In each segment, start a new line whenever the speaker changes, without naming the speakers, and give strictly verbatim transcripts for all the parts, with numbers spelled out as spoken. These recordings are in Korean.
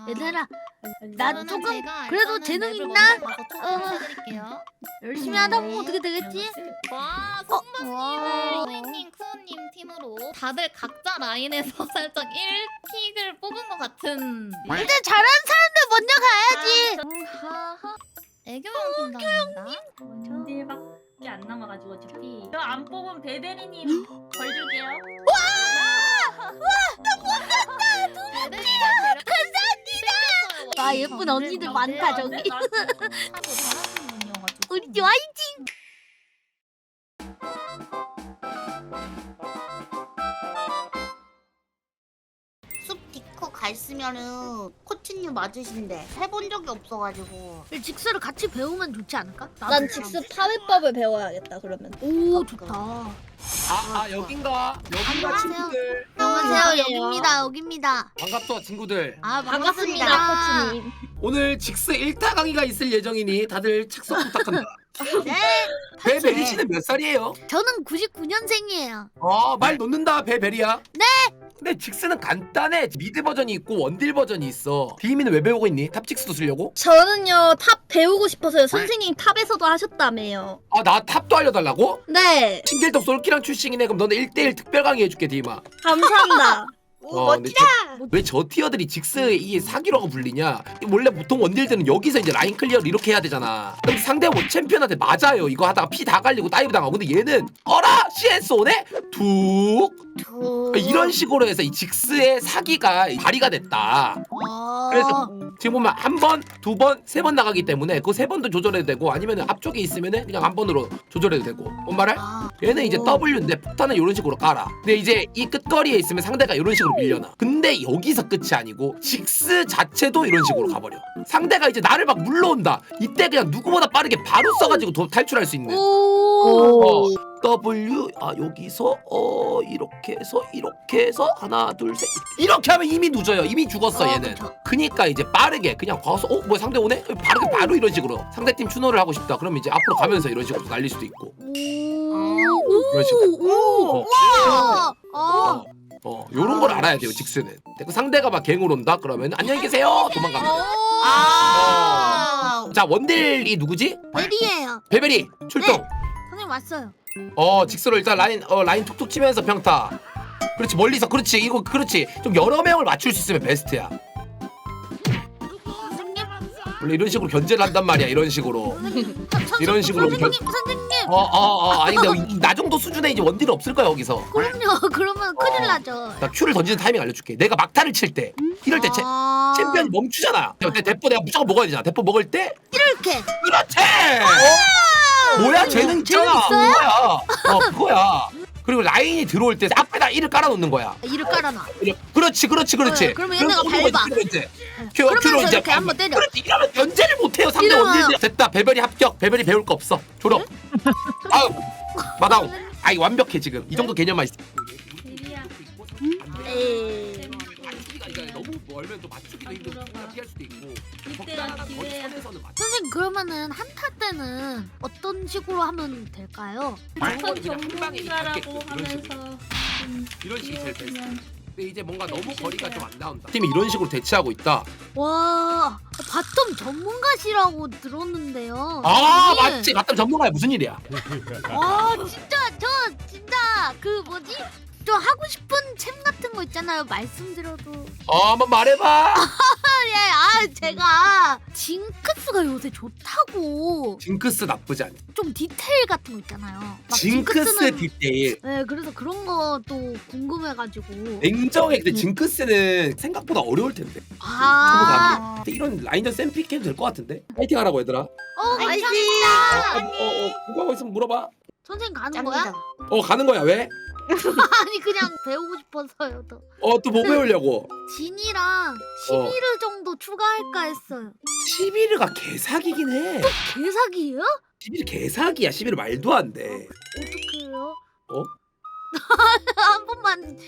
얘들아, 나
그러면
조금
제가
그래도
일단은
재능
맵을
있나?
먼저 가서
어.
초대를 해드릴게요.
열심히 하다 보면 어떻게 되겠지?
와,
어,
손바님,
와.
선생님, 쿠우님 팀으로 다들 각자 라인에서 살짝 일 픽을 뽑은 것 같은.
일단 잘하는 사람들 먼저 가야지.
애교형 팀장입니다.
원딜밖에 안 남아가지고 어차피 저 안 뽑은 베베리님 벌 줄게요.
와, 예쁜 언니들 많다 저기.
나도 잘하는 분이어가지고.
우리 화이팅!
숲 디코 갔으면은 코치님 맞으신데 해본 적이 없어가지고.
직수를 같이 배우면 좋지 않을까?
난 직수 파회법을 배워야겠다 그러면.
오, 좋다.
아, 아 여긴가? 여긴가
안녕하세요.
친구들.
안녕하세요.
안녕하세요.
여기입니다. 여기입니다.
반갑다 친구들.
아,
반갑습니다,
반갑습니다.
코치님.
오늘 직스 일 타 강의가 있을 예정이니 다들 착석 부탁한다.
네.
배베리 씨는 몇 살이에요?
저는 구십구 년생이에요.
어, 말 놓는다 배베리야. 네. 근데 직스는 간단해. 미드 버전이 있고 원딜 버전이 있어. 디미는 왜 배우고 있니? 탑 직스도 쓰려고?
저는요 탑 배우고 싶어서요. 선생님 탑에서도 하셨다며요.
아, 나 탑도 알려달라고?
네.
신길덕 솔키랑 출신이네. 그럼 너는 일 대일 특별 강의 해줄게 디마.
감사합니다.
어, 근데 왜 저 티어들이 직스 이게 사기라고 불리냐? 원래 보통 원딜들은 여기서 이제 라인 클리어를 이렇게 해야 되잖아. 근데 상대 원 챔피언한테 맞아요. 이거 하다가 피 다 갈리고 다이브 당하고. 근데 얘는 어라 씨에스 오네? 툭
두.
이런 식으로 해서 이 직스의 사기가 발휘가 됐다.
어.
그래서 지금 보면 한 번, 두 번, 세 번 나가기 때문에 그 세 번도 조절해도 되고 아니면 앞쪽에 있으면은 그냥 한 번으로 조절해도 되고. 뭔 말을?
아.
얘는 이제 W인데 폭탄은 이런 식으로 깔아. 근데 이제 이 끝거리에 있으면 상대가 이런 식으로 밀려나. 근데 여기서 끝이 아니고 직스 자체도 이런 식으로 가버려. 상대가 이제 나를 막 물러온다. 이때 그냥 누구보다 빠르게 바로 써가지고 도, 탈출할 수 있는.
오.
어, W 아 여기서 어 이렇게 해서 이렇게 해서 하나 둘 셋 이렇게 하면 이미 늦어요. 이미 죽었어
어,
얘는.
그쵸.
그니까 이제 빠르게 그냥 가서 어 뭐야 상대 오네? 바르게 바로 이런 식으로 상대팀 추노를 하고 싶다. 그러면 이제 앞으로 가면서 이런 식으로 날릴 수도 있고. 이런 식으로.
오.
어.
와. 어.
어, 어, 요런 걸 알아야 돼요, 직스는. 그 상대가 막 갱을 온다? 그러면 안녕히 계세요! 도망갑니다.
아.
자, 원딜이 누구지?
베리예요.
베베리, 출동!
선생님 왔어요.
어, 직스로 일단 라인, 어, 라인 툭툭 치면서 평타. 그렇지, 멀리서, 그렇지, 이거, 그렇지. 좀 여러 명을 맞출 수 있으면 베스트야.
선생님.
원래 이런 식으로 견제를 한단 말이야, 이런 식으로. 이런 식으로
선생님, 선생님.
어, 어, 어, 아니, 근데 이- 나 정도 수준의 이제 원딜은 없을 거야, 여기서.
그럼요. 그러면 큰일 나죠.
나 큐를 던지는 타이밍 알려줄게. 내가 막타를 칠 때, 이럴 때 챔,
아.
챔피언이 멈추잖아. 근데 대포 내가 무조건 먹어야 되잖아. 대포 먹을 때
이렇게.
그렇지. 뭐야 재능 있잖아.
재능 있어요?
그거야. 어 그거야. 그리고 라인이 들어올 때 앞에다 이를 깔아놓는 거야.
이를 깔아놔.
그렇지, 그렇지, 그렇지.
네, 그러면 얘네가
그럼 오는 거지,
밟아.
그러면 이제 큐,
그러면서
큐로 이제
이렇게 한번 때려.
그렇지. 이러면 연재를 못해요. 상대
이러면-
원딜 됐다. 배별이 합격. 배별이 배울 거 없어. 졸업. 다음 마다오. 아이 완벽해 지금. 이 정도 개념만 있어.
에이.
너무 멀면 또 맞추기도 힘들고 피할 수도 있고.
이때가 기회야.
선에서는 맞.
선생님 그러면은 한타 때는 어떤 식으로 하면 될까요?
전
그냥 한 방에
전문가라고
이렇게 이런
하면서 좀
이런 식이 제일 베스트.
기회주면
근데 이제 뭔가 너무 거리가 좀 안 나온다. 팀이 이런 식으로 대치하고 있다.
와, 바텀 전문가시라고 들었는데요.
아
선생님.
맞지. 맞다 전문가야 무슨 일이야?
와, 진짜 저 진짜 그 뭐지? 저 하고 싶은 챔 같은 거 있잖아요. 말씀드려도.
어 한번 말해봐.
예, 아 제가 징크스가 요새 좋다고
징크스 나쁘지 않아.
좀 디테일 같은 거 있잖아요. 막
징크스
징크스는-
디테일.
네, 그래서 그런 거 또 궁금해가지고.
냉정해. 근데
음.
징크스는 생각보다 어려울 텐데.
아,
근데 이런 라인전 샘픽 해도 될 것 같은데. 파이팅 하라고 얘들아. 어,
어,
파이팅!
감사합니다.
어, 어, 궁금한 거 있으면 물어봐.
선생님 가는 거야?
짱이다.
어 가는 거야 왜?
아니 그냥 배우고 싶어서요. 또
어 또 뭐 배우려고?
진이랑
어.
십일 정도 추가할까 했어요.
시비르가 개사기긴 해.
개사기예요?
시비르 개사기야. 시비르 말도 안 돼.
어떻게 해요?
어?
한 번만.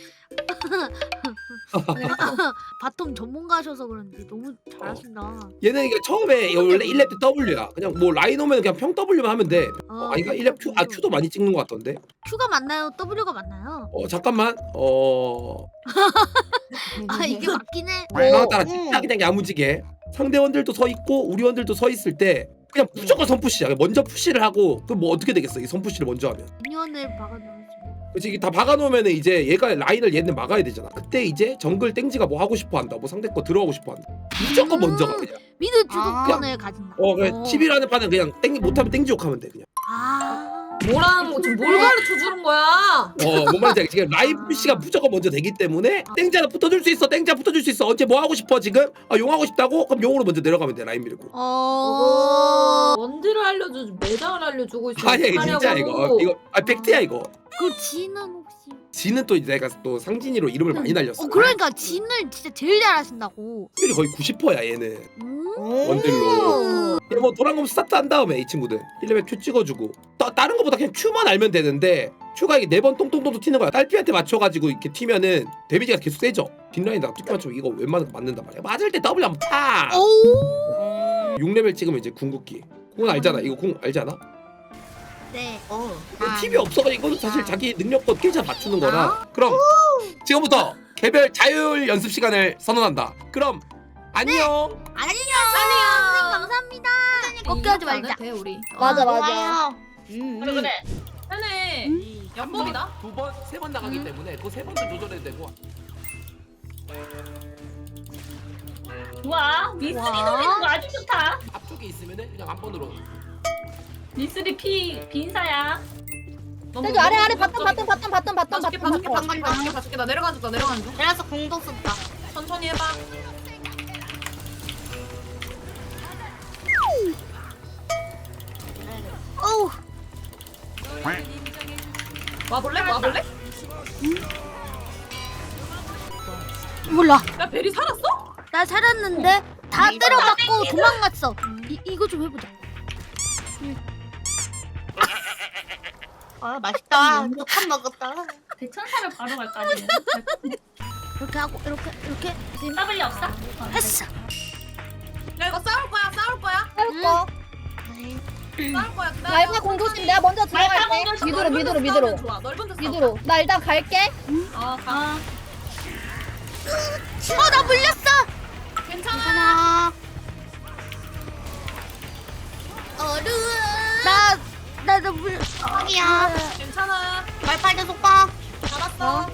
바텀 전문가셔서 그런지 너무 잘하신다.
얘는 이게 처음에 원래 일 렙 때 W야. 그냥 뭐 라인 오면 그냥 평 W만 하면 돼.
아,
어, 아니 그러니까 일 렙 Q, 아 Q도 많이 찍는 것 같던데.
Q가 맞나요? W가 맞나요?
어 잠깐만. 어
아 이게 맞긴 해.
상황 따라
응.
진짜 그냥 야무지게 상대원들도 서 있고 우리 원들도 서 있을 때 그냥 무조건 선푸시야. 먼저 푸시를 하고 그럼 뭐 어떻게 되겠어? 이 선푸시를 먼저 하면.
미니언을 박아놓으면
그치 이게 다 박아놓으면 이제 얘가 라인을 얘는 막아야 되잖아. 그때 이제 정글 땡지가 뭐 하고 싶어한다. 뭐 상대 거 들어가고 싶어한다. 무조건 먼저 가 그냥.
미드
아.
주도권을 가진다.
어 그래
어.
십이라는 판은 그냥 땡 못하면 땡지 욕하면 돼 그냥.
아.
뭐라는 거 지금 뭘 가르쳐 주는 거야?
어뭔 말인지 알지? 지금 라인 푸시가 무조건 먼저 되기 때문에 땡지 하나 붙어줄 수 있어. 땡지 하나 붙어줄 수 있어. 언제 뭐 하고 싶어 지금? 아 용하고 싶다고? 그럼 용으로 먼저 내려가면 돼 라인 밀고.
어.
원딜을 알려주지 매장을 알려주고 있어.
아니야 이거 진짜 이거 이거 아 팩트야 이거.
그 진은 혹시?
지는 또 이제 내가 또 상진이로 이름을 많이 날렸어.
어 그러니까 진을 진짜 제일 잘하신다고.
확률이 거의 구십 퍼센트야 얘는.
음.
원딜로. 뭐 도랑검 스타트 한 다음에 이 친구들 일 레벨 Q 찍어주고 따, 다른 거보다 그냥 Q만 알면 되는데 Q가 이게 네 번 똥똥똥 튀는 거야. 딸피한테 맞춰가지고 이렇게 튀면은 데미지가 계속 세져. 뒷라인에다가 툭 맞추면 이거 웬만하면 맞는단 말이야. 맞을 때 W 한번 타.
오.
육 레벨 찍으면 이제 궁극기. 궁은 알잖아. 이거 궁 알지 않아?
네.
어.
팁이 없어가 이거는 사실 자기 능력껏 깨자 맞추는 거라. 그럼 지금부터 개별 자율 연습 시간을 선언한다. 그럼 안녕.
안녕. 안녕. 감사합니다. 걱정하지 말자.
돼 우리.
맞아 맞아.
좋아요. 음,
그래
음.
그래.
하네. 연봉이다.
두 번, 세 번 나가기 때문에 그 세 번도 조절해도 되고.
좋아. 미스리
와.
노리는 거 아주 좋다.
앞쪽에 있으면은 그냥 한 번으로.
미스리 피 빈사야.
저기 아래 아래 바텀 바텀 바텀 바텀 바텀
봐줄게
바텀
봐줄게
바텀.
봐줄게 봐줄게 봐줄게 나 내려가줄게 나 내려가는 중.
그래서 공도 썼다.
천천히 해봐.
어우.
와볼래? 와볼래?
몰라.
야 베리 살았어?
나 살았는데 다
이거
때려맞고 도망갔어. 이 이거 좀 해보자.
아 맛있다. 한 먹었다.
대천사를 바로 갈까 아니면?
이렇게 하고 이렇게 이렇게
지금 더블이 없어? 어,
했어.
야 이거 싸울 거야 싸울 거야
할 거.
싸울 거야. 기다려.
말파 공조심 내가 먼저
말파
들어갈게.
공조심.
미드로 미드로
넓은 데서
미드로.
싸우면 좋아. 넓은 데서 싸우면
미드로. 나 일단 갈게.
어 가.
어 나 물렸어.
괜찮아.
하나.
나나나 물.
턱이야.
괜찮아.
말팔대 속박.
잡았어.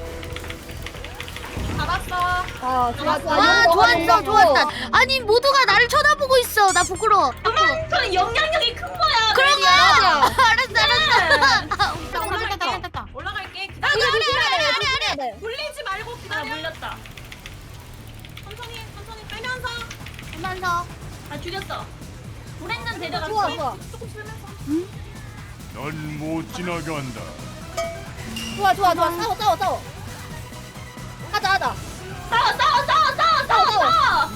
잡았어.
아 좋아 좋아.
아
이거 먹어,
좋았어
이거 먹어.
좋았다. 아니 모두가 나를 쳐다보고 있어. 나 부끄러워.
저는 영향력이 큰 거야.
그런 거야.
맞아.
알았어 알았어.
됐다 됐다 됐다 됐다.
올라갈게.
이거
기다려.
조심해야 돼. 조심해야 돼.
돌리지 말고
나
기다려.
물렸다.
천천히 천천히 빼면서.
하면서.
아 죽였어. 불행난 데려갔어.
좋아 좋아.
조금 빼면서.
넌 못 지나간다.
좋아 좋아 좋아. 싸워 싸워 싸워. 하자 하자.
싸워 싸워 싸워 싸워 싸워 싸워.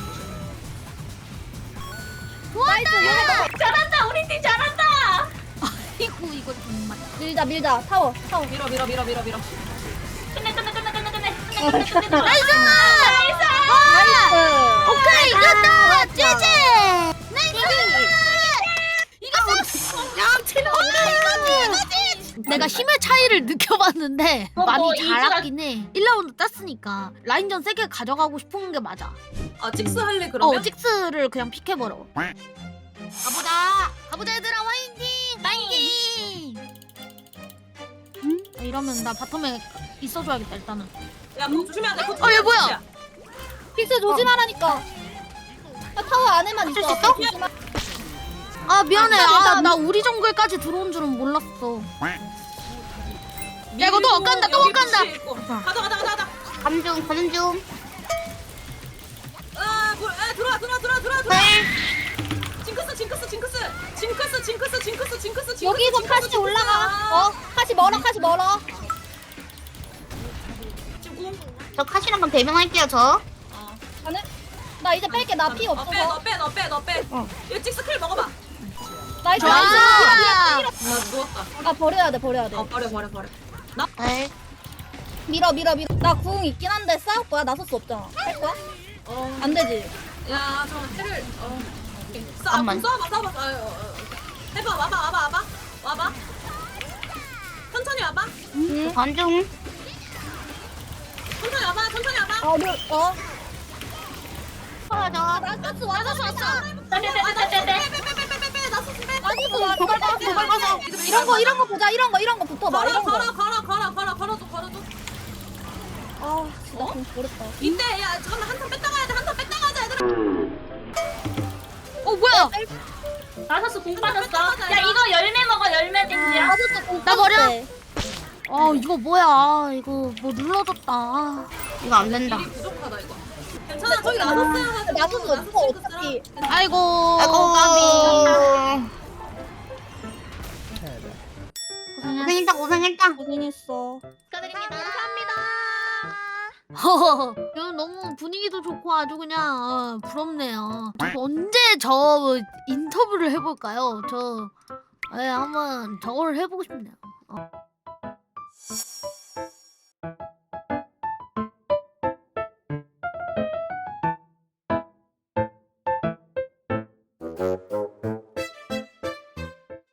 나이스. 이거
잘한다. 우리 팀 잘한다.
아이고 이거 정말.
밀자 밀자. 타워 타워.
밀어 밀어 밀어 밀어 밀어.
끝내 끝내 끝내 끝내 끝내.
어,
끝내 끝내 끝내.
나이스.
나이스.
나이스.
오케이 이겼다. 제제. 나이스. 이겼어. 야 제발. 내가 힘의 차이를 느껴봤는데
어,
많이
뭐
잘하긴 해. 일 라운드 땄으니까 라인전 세게 가져가고 싶은 게 맞아.
아 찍스 할래 그러면?
어 직스를 그냥 픽해버려.
가보자.
가보자 얘들아 화이팅! 파이팅! 아, 이러면 나 바텀에 있어줘야겠다 일단은.
야 그거 조심해야 돼. 그거
어, 얘 뭐야?
조심해야 돼.
픽스 조심하라니까. 야, 타워 안에만 있어.
있어?
조심하-
아 미안해.
아,
아
일단-
나 우리 정글까지 들어온 줄은 몰랐어. 야 이거 또 엇간다 또
여기
엇간다.
부시 있고. 가자 가자 가자 가자.
감중 가는 중.
아, 물, 에, 들어와, 들어와, 들어와, 들어와, 들어와. 징크스, 징크스, 징크스, 징크스, 징크스, 징크스, 징크스, 징크스.
여기서
징크스,
카시
징크스.
올라가. 어? 카시 멀어 카시 멀어.
지금 궁.
저 카시랑 그럼 대명할게요 저.
어.
가는? 나 이제 뺄게. 나 피
어, 빼,
없어서.
너 빼, 너 빼, 너 빼.
어.
얘 찍스 킬 먹어봐.
나이스
좋아.
나이스.
나 죽었다.
아 버려야 돼 버려야 돼.
어, 버려, 버려, 버려.
네.
밀어 밀어 밀어. 나 궁 있긴 한데 싸울 거야. 나설 수 없잖아. 할 거야?
어,
안 되지.
야, 잠깐만, 텔을. 어, 오케이. 싸,
잠깐만.
싸워봐, 싸워봐. 아, 어, 어. 해봐, 와봐, 와봐, 와봐, 와봐. 천천히 와봐.
응.
관중.
천천히 와봐, 천천히 와봐.
어 밀. 어.
아, 저.
나가스 와가스 왔어.
빼빼빼빼빼빼.
나가스 와. 도발 가 도발 가서. 이런 거 이런 거 보자. 이런 거 이런 거 붙어봐.
걸어
이런 거.
걸어 걸어 걸어 걸어 걸어줘 걸어줘.
아 진짜 좀 모르겠다.
이때 야 잠깐만 한 턴 뺐다 가야 돼. 한 턴 뺐다 가자 얘들아.
어 뭐야?
나서스 공 빠졌어. 야 이거 열매 먹어 열매 땡지야.
나가스 공
나 버려?
빠졌대.
어 이거 뭐야? 이거 뭐 눌러졌다.
이거 안 된다.
일이 부족하다 이거. 괜찮아 저기 나섰어요.
나가스 없어 어차피.
아이고.
아이고.
고생했어.
고생했다, 고생했다.
고생했어.
축하드립니다.
허허허. 이거 너무 분위기도 좋고 아주 그냥 어, 부럽네요. 저도 언제 저 인터뷰를 해볼까요? 저 예, 한번 저걸 해보고 싶네요. 어.